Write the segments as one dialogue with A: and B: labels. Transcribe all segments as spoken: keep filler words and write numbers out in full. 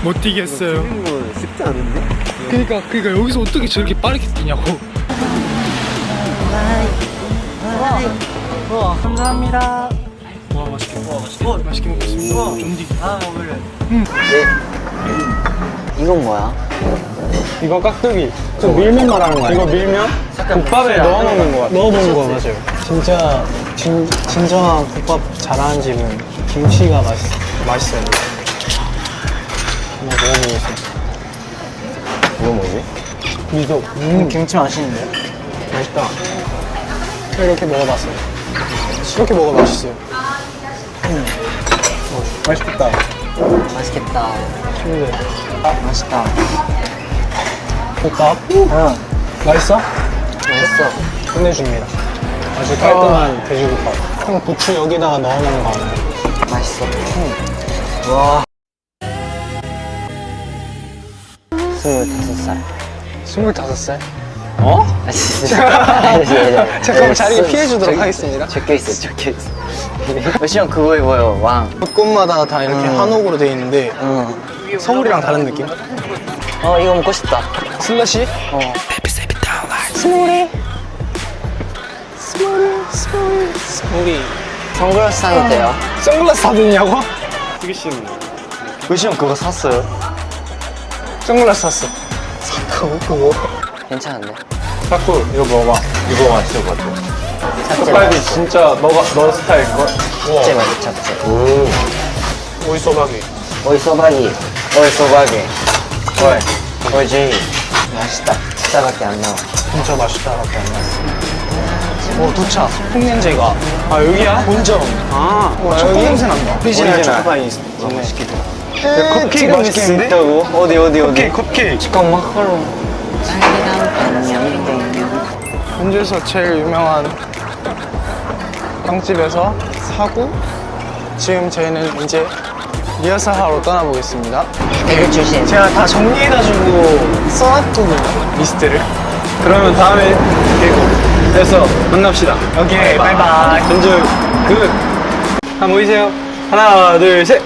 A: 못 뛰겠어요.
B: 뛰는 건 쉽지 않은데?
A: 그니까 그니까 여기서 어떻게 저렇게 빠르게 뛰냐고.
C: 우와, 감사합니다.
A: 와 맛있게 와 맛있게 어, 맛있게 먹겠습니다. 쫀디.
C: 아, 먹을래.
B: 이건 뭐야?
D: 이거 깍두기. 저 밀면 말하는 거야. 이거 밀면? 국밥에 넣어 먹는 거 같아. 넣어 먹는 거 맞아요. 진짜 진, 진정한 국밥 잘하는 집은 김치가 맛있, 맛있어요. 한번 먹어보겠습니다.
B: 이거 뭐지?
D: 미소. 음, 김치 맛있는데? 맛있다. 이렇게 먹어봤어요. 이렇게 먹어 맛있어요. 음. 어, 맛있겠다.
B: 맛있겠다.
D: 근데
B: 맛있다.
D: 국밥? 응. 맛있어?
B: 맛있어.
D: 끝내줍니다. 아주 깔끔한 돼지국밥. 형 부추 여기다가 넣어 먹는 거 아니야?
B: 맛있어. 와. 스물다섯 살.
D: 스물다섯 살? 어?
B: 아, 진짜.
D: 잠깐만 자리 피해주도록 하겠습니다.
B: 적혀있어, 적혀있어. 시형 그거 입어요, 왕.
D: 곳곳마다 다 이렇게
B: 음.
D: 한옥으로 돼 있는데
B: 응.
D: 서울이랑 다른 느낌?
B: 어, 이거 먹고 싶다.
D: 슬러시?
B: 어.
D: 스몰이 스몰이 스몰이 스몰이
B: 선글라스 사도 돼요?
D: 선글라스 사드냐고?
B: 의시 형 그거 샀어요?
D: 선글라스 샀어. 샀다고 그거?
B: 괜찮은데?
D: 자꾸 이거 먹어봐. 이거 맛있을 것 같아.
B: 잡채
D: 빨리
B: 맛있어.
D: 진짜 너가 너 스타일걸?
B: 잡채 맛있어, 잡채.
D: 오이 소박이.
B: 오이 소박이. 오이 소박이. 오이. 오이 제이. 맛있다. 진짜밖에 안 나와.
D: 진짜 맛있다밖에 안 났어. 오 두차. 풍냄새가. 아 여기야? 본점. 아, 와, 초코 냄새 난다. 오리지널 초코파이 있네. 맛있겠다. 컵케이크 맛있겠는데?
B: 있다고? 어디 어디 어디?
D: 컵케이크 컵케이크.
B: 치킨 마카롱.
D: 현주에서 제일 유명한 빵집에서 사고 지금 저희는 이제 리허설 하러 떠나보겠습니다.
B: 대구 출신.
D: 제가 다 정리해가지고 써놨거든요, 리스트를. 그러면 다음에 대구에서 만납시다. 오케이, 바이바이. 현주 굿. 한번 모이세요. 하나, 둘, 셋.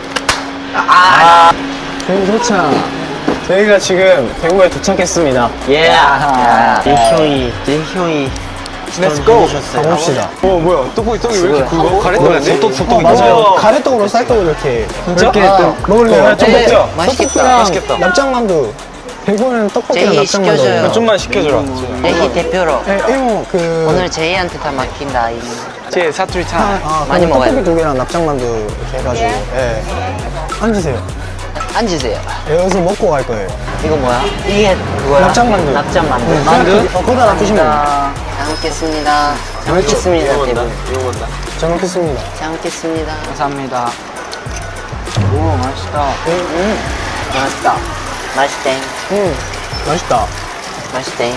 D: 아, 대구 도착. 저희가 지금 대구에 도착했습니다.
B: 예. 내 형이 내 형이
D: Let's go. 가봅시다. 어 뭐야? 떡볶이 떡이 왜 이렇게 굵어? 가래떡인데? 소떡 소떡. 맞아요. 가래떡으로 쌀떡을 이렇게 이렇게 또 먹을래요? 좀
B: 네,
D: 먹자.
B: 맛있겠다.
D: 맛있겠다. 납작만두. 대구는 떡볶이랑
B: 제이
D: 납작만두.
B: 시켜줘요.
D: 좀만 시켜줘라.
B: 제희 대표로
D: 네, 이모 그
B: 오늘 제이한테 다 맡긴다. 이.
D: 제 사투리 차. 아,
B: 많이
D: 그럼
B: 먹어야
D: 떡볶이 두 개랑 납작만두 이렇게 해가지고. 예. 앉으세요.
B: 앉으세요.
D: 예, 여기서 먹고 갈 거예요.
B: 이거 뭐야? 이게 그거야?
D: 납작만두.
B: 납작만두.
D: 응,
B: 만두?
D: 어, 거기다 놔두시면 돼요.
B: 잘 먹겠습니다. 잘 먹겠습니다. 대부.
D: 잘 먹겠습니다.
B: 잘 먹겠습니다.
D: 감사합니다. 오, 맛있다.
B: 음, 맛있다. 맛있대.
D: 음, 맛있다.
B: 맛있대.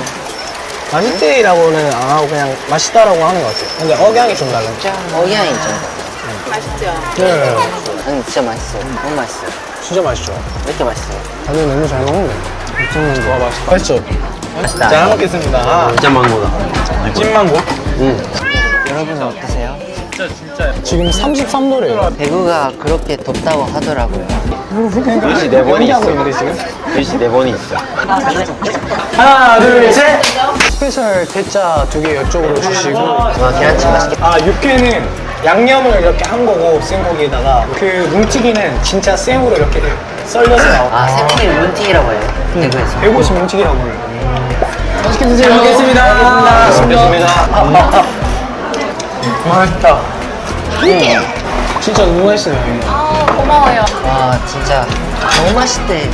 D: 맛있대라고는 안 하고 그냥 맛있다라고 하는 것 같아요. 근데 억양이 좀 다른.
B: 어향이 좀.
D: 네.
B: 응, 진짜 맛있어요. 너무 맛있어요.
D: 진짜 맛있죠.
B: 왜 이렇게 맛있어요?
D: 다들 너무 잘 먹는데. 와, 맛있다. 맛있죠?
B: 맛있다.
D: 잘 먹겠습니다.
B: 찐망고다.
D: 찐망고?
B: 여러분은 어떠세요?
D: 지금 삼십삼 도래요.
B: 대구가 그렇게 덥다고 하더라고요.
D: 일시 네 번이 하고 있는데 지금?
B: 일시 네 번이 있어.
D: 하나, 둘, 셋! 스페셜 대짜 두 개 이쪽으로 주시고.
B: 와, 계란찜 맛있겠다.
D: 아, 육회는 양념을 이렇게 한 거고, 생고기에다가. 그 뭉치기는 진짜 생으로 이렇게 썰려서 나와.
B: 아, 생고기 문튀기라고 해요. 대구에서.
D: 대구시 뭉치기라고 해요. 맛있게 드세요. 잘
B: 먹겠습니다.
D: 잘 먹겠습니다. 맛있다. 진짜 너무 맛있어요.
B: 와, 진짜 너무 맛있대.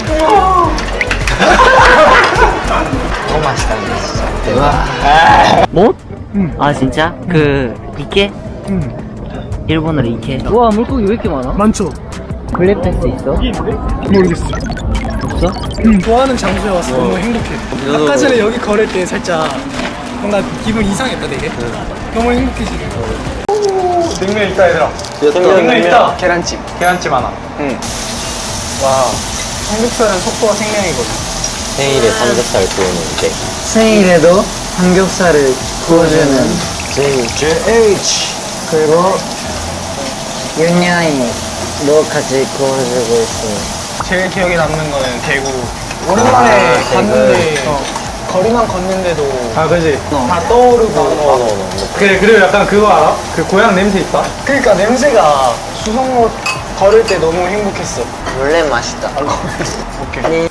B: 너무 맛있다, 근데 진짜. 와. 못? 아, 진짜? 그, 이케? 일본어로 이케. 우와, 물고기 왜 이렇게 많아?
D: 많죠?
B: 블랙팬스 있어?
D: 모르겠어.
B: 없어?
D: 음, 좋아하는 장소에 와서 너무 행복해. 아까 전에 여기 걸을 때 살짝 뭔가 기분 이상했다 되게. 너무 행복해지네. 오, 냉면 있다 얘들아. 냉면 있다. 계란찜. 계란찜 하나. 응. 와, 삼겹살은 속도가 생명이거든.
B: 생일에 삼겹살 구우는 데
D: 생일에도 삼겹살을 구워주는 제이제이치. 그리고
B: 윤양이도 같이 구워주고 있습니다.
D: 제일 기억에 남는 거는 대구. 오랜만에 갔는데 어, 거리만 걷는데도
C: 아, 그지.
D: 다 떠오르고.
C: 그래, 그리고 약간 그거 알아? 그 고향 냄새 있다?
D: 그러니까 냄새가 수성로 걸을 때 너무 행복했어.
B: 원래 맛있다.
D: 오케이.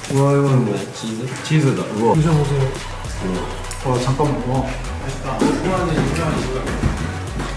C: 치즈다, 우와. 드셔보세요. 어, 잠깐만. 와. 맛있다.